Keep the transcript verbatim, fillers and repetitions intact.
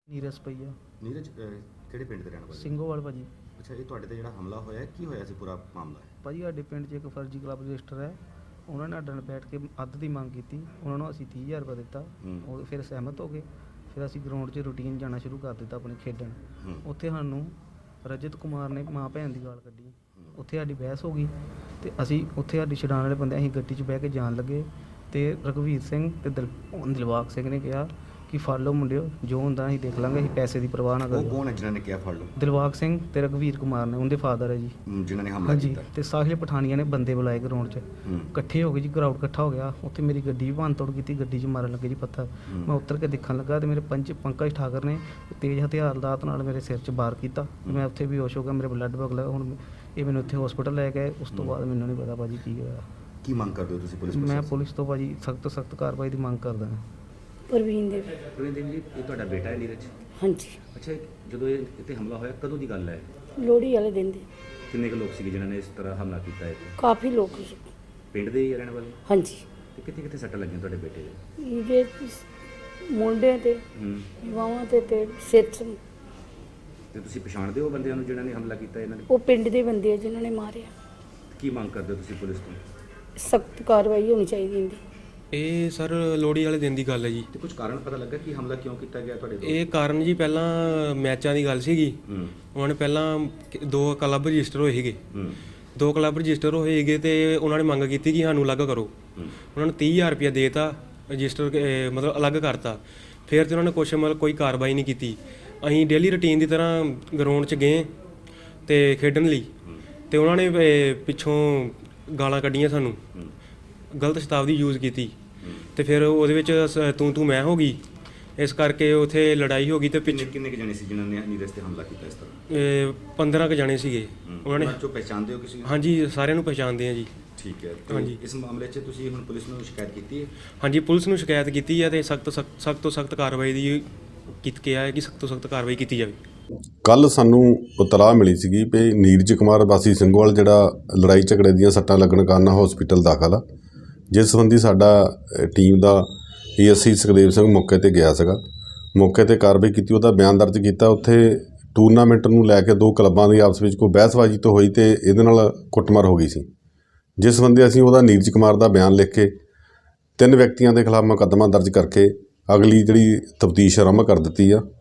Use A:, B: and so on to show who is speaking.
A: ਨੀਰਜ ਭਈਆ
B: ਨੀਰਜ ਕਿਹੜੇ ਪਿੰਡ ਦੇ ਰਹਿਣ ਵਾਲੇ?
A: ਸਿੰਘੋਵਾਲ ਭਾਜੀ।
B: ਅੱਛਾ, ਇਹ ਤੁਹਾਡੇ ਤੇ ਜਿਹੜਾ ਹਮਲਾ ਹੋਇਆ ਕੀ ਹੋਇਆ ਸੀ, ਪੂਰਾ ਮਾਮਲਾ?
A: ਭਾਜੀ ਸਾਡੇ ਪਿੰਡ 'ਚ ਇੱਕ ਫਰਜ਼ੀ ਕਲੱਬ ਰਜਿਸਟਰ ਹੈ, ਉਹਨਾਂ ਨੇ ਸਾਡੇ ਨਾਲ ਬੈਠ ਕੇ ਅੱਧ ਦੀ ਮੰਗ ਕੀਤੀ, ਉਹਨਾਂ ਨੂੰ ਅਸੀਂ ਤੀਹ ਹਜ਼ਾਰ ਰੁਪਏ ਦਿੱਤਾ। ਉਹ ਫਿਰ ਸਹਿਮਤ ਹੋ ਗਏ। ਫਿਰ ਅਸੀਂ ਗਰਾਊਂਡ 'ਚ ਰੂਟੀਨ ਜਾਣਾ ਸ਼ੁਰੂ ਕਰ ਦਿੱਤਾ ਆਪਣੀ ਖੇਡਣ। ਉੱਥੇ ਸਾਨੂੰ ਰਜਤ ਕੁਮਾਰ ਨੇ ਮਾਂ ਭੈਣ ਦੀ ਗਾਲ ਕੱਢੀ, ਉੱਥੇ ਸਾਡੀ ਬਹਿਸ ਹੋ ਗਈ ਅਤੇ ਅਸੀਂ ਉੱਥੇ ਸਾਡੀ ਛਡਾਉਣ ਵਾਲੇ ਬੰਦੇ ਅਸੀਂ ਗੱਡੀ 'ਚ ਬਹਿ ਕੇ ਜਾਣ ਲੱਗੇ ਅਤੇ ਰਘਵੀਰ ਸਿੰਘ ਅਤੇ ਦਿਲ ਦਿਲਬਾਗ ਸਿੰਘ ਨੇ ਕਿਹਾ ਕਿ ਫੜ ਲਓ ਮੁੰਡਿਓ, ਜੋ ਹੁੰਦਾ ਅਸੀਂ ਦੇਖ ਲਾਂਗੇ, ਅਸੀਂ ਪੈਸੇ ਦੀ ਪਰਵਾਹ ਨਾ ਕਰੋ।
B: ਉਹ ਕੌਣ ਹੈ ਜਿਹਨਾਂ ਨੇ ਕਿਹਾ ਫੜ ਲਓ?
A: ਦਿਲਬਾਗ ਸਿੰਘ ਤੇ ਰਘਵੀਰ ਕੁਮਾਰ ਨੇ, ਉਹਦੇ ਫਾਦਰ ਹੈ ਜੀ,
B: ਜਿਨ੍ਹਾਂ ਨੇ ਹਮਲਾ
A: ਹਾਂਜੀ।
B: ਕੀਤਾ।
A: ਤੇ ਸਾਹਿਲ ਪਠਾਨੀਆਂ ਨੇ ਬੰਦੇ ਬੁਲਾਏ ਗਰਾਊਂਡ 'ਚ, ਇਕੱਠੇ ਹੋ ਗਏ ਜੀ, ਕਰਾਊਡ ਇਕੱਠਾ ਹੋ ਗਿਆ। ਉੱਥੇ ਮੇਰੀ ਗੱਡੀ ਵੀ ਭੰਨ ਤੋੜ ਕੀਤੀ, ਗੱਡੀ 'ਚ ਮਾਰਨ ਲੱਗੇ ਜੀ ਪੱਥਰ। ਮੈਂ ਉੱਤਰ ਕੇ ਦੇਖਣ ਲੱਗਾ ਤੇ ਮੇਰੇ ਪੰਜ ਪੰਕਜ ਠਾਕਰ ਨੇ ਤੇਜ਼ ਹਥਿਆਰ ਦਾਤ ਨਾਲ ਮੇਰੇ ਸਿਰ 'ਚ ਵਾਰ ਕੀਤਾ। ਮੈਂ ਉੱਥੇ ਬੇਹੋਸ਼ ਹੋ ਗਿਆ, ਮੇਰੇ ਬਲੱਡ ਵਗ ਲੱਗਾ। ਹੁਣ ਇਹ ਮੈਨੂੰ ਇੱਥੇ ਹਸਪੀਟਲ ਲੈ ਗਏ। ਉਸ ਤੋਂ ਬਾਅਦ ਮੈਨੂੰ ਨਹੀਂ ਪਤਾ ਭਾਜੀ ਕੀ ਹੋਇਆ।
B: ਕੀ ਮੰਗ ਕਰਦੇ ਹੋ ਤੁਸੀਂ ਪੁਲਿਸ?
A: ਮੈਂ ਪੁਲਿਸ ਤੋਂ ਭਾਜੀ ਸਖਤ ਤੋਂ ਸਖਤ ਕਾਰਵਾਈ ਦੀ ਮੰਗ ਕਰਦਾ ਹਾਂ।
C: ਪ੍ਰਵੀਨ ਦੇਵੀ।
B: ਪ੍ਰਵੀਨ ਦੇਵੀ ਜੀ, ਇਹ ਤੁਹਾਡਾ ਬੇਟਾ ਹੈ ਨੀਰਜ?
C: ਹਾਂਜੀ।
B: ਅੱਛਾ, ਜਦੋਂ ਇਹ ਇੱਥੇ ਹਮਲਾ ਹੋਇਆ ਕਦੋਂ ਦੀ ਗੱਲ ਹੈ?
C: ਲੋਹੜੀ ਵਾਲੇ ਦਿਨ ਦੇ।
B: ਕਿੰਨੇ ਕੁ ਲੋਕ ਸੀਗੇ ਜਿਨ੍ਹਾਂ ਨੇ ਇਸ ਤਰ੍ਹਾਂ ਹਮਲਾ ਕੀਤਾ ਇੱਥੇ?
C: ਕਾਫੀ ਲੋਕ ਸੀ।
B: ਪਿੰਡ ਦੇ ਹੀ ਰਹਿਣ ਵਾਲੇ?
C: ਹਾਂਜੀ।
B: ਤੇ ਕਿੱਥੇ ਕਿੱਥੇ ਸੱਟਾਂ ਲੱਗੀਆਂ ਤੁਹਾਡੇ ਬੇਟੇ ਦੇ?
C: ਇਹਦੇ ਮੁੰਡੇ ਤੇ ਬਾਹਾਂ ਤੇ ਤੇ ਸਿਰ 'ਚ।
B: ਤੇ ਤੁਸੀਂ ਪਛਾਣਦੇ ਹੋ ਬੰਦਿਆਂ ਨੂੰ ਜਿਨ੍ਹਾਂ ਨੇ ਹਮਲਾ ਕੀਤਾ ਇਹਨਾਂ ਨੇ?
C: ਉਹ ਪਿੰਡ ਦੇ ਬੰਦੇ ਆ ਜਿਨ੍ਹਾਂ ਨੇ ਮਾਰਿਆ।
B: ਕੀ ਮੰਗ ਕਰਦੇ ਹੋ ਤੁਸੀਂ ਪੁਲਿਸ ਤੋਂ?
C: ਸਖਤ ਕਾਰਵਾਈ ਹੋਣੀ ਚਾਹੀਦੀ ਇਹਦੀ।
D: ਇਹ ਸਰ ਲੋਹੜੀ ਵਾਲੇ ਦਿਨ ਦੀ ਗੱਲ ਹੈ ਜੀ।
B: ਤੇ ਕੁਝ ਕਾਰਨ ਪਤਾ ਲੱਗਾ ਕਿ ਹਮਲਾ ਕਿਉਂ ਕੀਤਾ ਗਿਆ ਤੁਹਾਡੇ ਤੋਂ?
D: ਇਹ ਕਾਰਨ ਜੀ ਪਹਿਲਾਂ ਮੈਚਾਂ ਦੀ ਗੱਲ ਸੀਗੀ। ਉਹਨਾਂ ਨੇ ਪਹਿਲਾਂ ਦੋ ਕਲੱਬ ਰਜਿਸਟਰ ਹੋਏ ਸੀਗੇ, ਦੋ ਕਲੱਬ ਰਜਿਸਟਰ ਹੋਏ ਸੀਗੇ ਤੇ ਉਹਨਾਂ ਨੇ ਮੰਗ ਕੀਤੀ ਕਿ ਸਾਨੂੰ ਅਲੱਗ ਕਰੋ। ਉਹਨਾਂ ਨੂੰ ਤੀਹ ਹਜ਼ਾਰ ਰੁਪਇਆ ਦੇਤਾ, ਰਜਿਸਟਰ ਮਤਲਬ ਅਲੱਗ ਕਰਤਾ। ਫਿਰ ਤੇ ਉਹਨਾਂ ਨੇ ਕੁਛ ਮਤਲਬ ਕੋਈ ਕਾਰਵਾਈ ਨਹੀਂ ਕੀਤੀ। ਅਸੀਂ ਡੇਲੀ ਰੂਟੀਨ ਦੀ ਤਰ੍ਹਾਂ ਗਰਾਊਂਡ 'ਚ ਗਏ ਤੇ ਖੇਡਣ ਲਈ, ਤੇ ਉਹਨਾਂ ਨੇ ਪਿੱਛੋਂ ਗਾਲਾਂ ਕੱਢੀਆਂ, ਸਾਨੂੰ ਗਲਤ ਸ਼ਬਦਾਵਲੀ ਯੂਜ਼ ਕੀਤੀ, ਤੇ ਫਿਰ ਉਹਦੇ ਵਿੱਚ ਤੂੰ ਤੂੰ ਮੈਂ ਹੋ ਗਈ। ਇਸ ਕਰਕੇ ਉੱਥੇ ਲੜਾਈ ਹੋ ਗਈ। ਤੇ ਪਿੱਛੇ
B: ਕਿੰਨੇ ਕੁ ਜਾਣੇ ਸੀ ਜਿਨ੍ਹਾਂ ਨੇ ਨੀਰਜ ਤੇ ਹਮਲਾ ਕੀਤਾ ਇਸ ਤਰ੍ਹਾਂ?
D: ਪੰਦਰਾਂ ਕੁ ਜਾਣੇ ਸੀਗੇ। ਉਹਨਾਂ ਨੇ
B: ਜੋ ਪਛਾਣਦੇ ਹੋ ਕਿਸੇ?
D: ਹਾਂਜੀ, ਸਾਰਿਆਂ ਨੂੰ ਪਛਾਣਦੇ ਆ ਜੀ।
B: ਠੀਕ ਹੈ।
D: ਹਾਂਜੀ।
B: ਇਸ ਮਾਮਲੇ 'ਚ ਤੁਸੀਂ ਹੁਣ ਪੁਲਿਸ ਨੂੰ ਸ਼ਿਕਾਇਤ ਕੀਤੀ ਹੈ?
D: ਹਾਂਜੀ, ਪੁਲਿਸ ਨੂੰ ਸ਼ਿਕਾਇਤ ਕੀਤੀ ਹੈ ਤੇ ਸਖਤ ਸਖਤ ਤੋਂ ਸਖਤ ਕਾਰਵਾਈ ਦੀ ਕੀਤੀ ਕਿਹਾ ਹੈ ਕਿ ਸਖਤ ਤੋਂ ਸਖਤ ਕਾਰਵਾਈ ਕੀਤੀ ਜਾਵੇ।
E: ਕੱਲ੍ਹ ਸਾਨੂੰ ਇਤਲਾਹ ਮਿਲੀ ਸੀਗੀ ਵੀ ਨੀਰਜ ਕੁਮਾਰ ਵਾਸੀ ਸਿੰਘੋਵਾਲ ਜਿਹੜਾ ਲੜਾਈ ਝਗੜੇ ਦੀਆਂ ਸੱਟਾਂ ਲੱਗਣ ਕਾਰਨ ਹਸਪੀਟਲ ਦਾਖਲ ਆ, ਜਿਸ ਸੰਬੰਧੀ ਸਾਡਾ ਟੀਮ ਦਾ A S I Sukhdev Singh ਮੌਕੇ 'ਤੇ ਗਿਆ ਸੀਗਾ। ਮੌਕੇ 'ਤੇ ਕਾਰਵਾਈ ਕੀਤੀ, ਉਹਦਾ ਬਿਆਨ ਦਰਜ ਕੀਤਾ। ਉੱਥੇ ਟੂਰਨਾਮੈਂਟ ਨੂੰ ਲੈ ਕੇ ਦੋ ਕਲੱਬਾਂ ਦੀ ਆਪਸ ਵਿੱਚ ਕੋਈ ਬਹਿਸਬਾਜ਼ੀ ਤੋਂ ਹੋਈ ਅਤੇ ਇਹਦੇ ਨਾਲ ਕੁੱਟਮਾਰ ਹੋ ਗਈ ਸੀ, ਜਿਸ ਸੰਬੰਧੀ ਅਸੀਂ ਉਹਦਾ ਨੀਰਜ ਕੁਮਾਰ ਦਾ ਬਿਆਨ ਲਿਖ ਕੇ ਤਿੰਨ ਵਿਅਕਤੀਆਂ ਦੇ ਖਿਲਾਫ ਮੁਕੱਦਮਾ ਦਰਜ ਕਰਕੇ ਅਗਲੀ ਜਿਹੜੀ ਤਫਤੀਸ਼ ਆਰੰਭ ਕਰ ਦਿੱਤੀ ਆ।